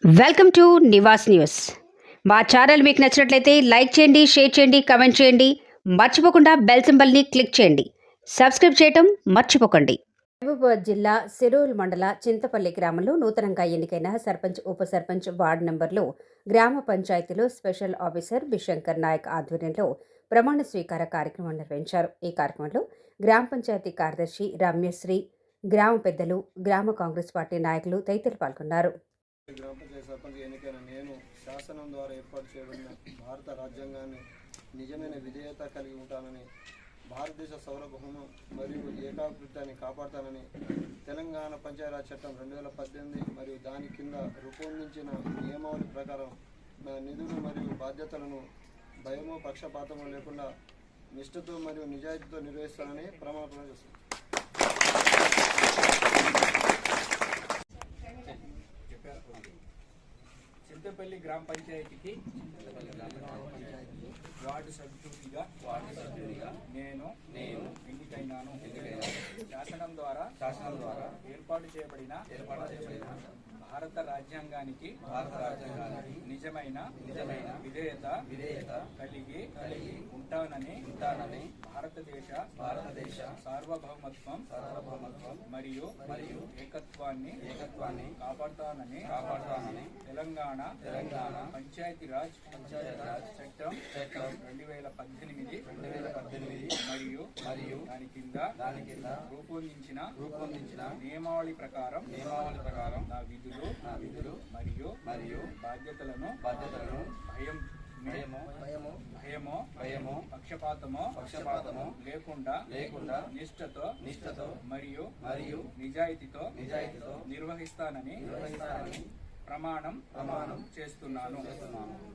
Welcome to Nivas news. మా channel మీకు నచ్చినట్లయితే లైక్ చేయండి, షేర్ చేయండి, కమెంట్ చేయండి. మర్చిపోకుండా బెల్ సింబల్ని క్లిక్ చేయండి. సబ్స్క్రైబ్ చేయటం మర్చిపోకండి. మహబూబాబాద్ జిల్లా సిరూల్ మండల చింతపల్లి గ్రామంలో నూతనంగా ఎన్నికైన సర్పంచ్, ఉప సర్పంచ్, వార్డు నంబర్లు గ్రామ పంచాయతీలో స్పెషల్ ఆఫీసర్ బిశంకర్ నాయక్ ఆధ్వర్యంలో ప్రమాణ స్వీకార కార్యక్రమం నిర్వహించారు. ఈ కార్యక్రమంలో గ్రామ పంచాయతీ కార్యదర్శి రమ్యశ్రీ, గ్రామ పెద్దలు, గ్రామ కాంగ్రెస్ పార్టీ నాయకులు తదితరులు పాల్గొన్నారు. గ్రామ పంచాయతీ సర్పంచ్ ఎన్నికైన నేను శాసనం ద్వారా ఏర్పాటు చేయబడిన భారత రాజ్యాంగాన్ని నిజమైన విధేయత కలిగి ఉంటానని, భారతదేశ సౌరభౌమం మరియు ఏకాభివృద్ధిని కాపాడుతానని, తెలంగాణ పంచాయతీరాజ్ చట్టం 2018 మరియు దాని కింద రూపొందించిన నియమావళి ప్రకారం నా నిధులు మరియు బాధ్యతలను భయమో పక్షపాతమో లేకుండా నిష్ఠతో మరియు నిజాయితీతో నిర్వహిస్తానని ప్రమాణం చేస్తున్నాను. చింతపల్లి గ్రామ పంచాయతీకి వార్డు సభ్యుడిగా నేను ఎన్నికైనాను. శాసనం ద్వారా ఏర్పాటు చేయబడిన భారత రాజ్యాంగానికి నిజమైన విధేయత కలిగి ఉంటానని భారతదేశ సార్వభౌమత్వం మరియు ఏకత్వాన్ని కాపాడుతానని తెలంగాణ పంచాయతీరాజ్ చట్టం 2018 మరియు దాని కింద రూపొందించిన నియమావళి ప్రకారం నా విధులు మరియు బాధ్యతలను భయమో పక్షపాతమో లేకుండా నిష్ఠతో మరియు నిజాయితీతో నిర్వహిస్తానని ప్రమాణం చేస్తున్నాను.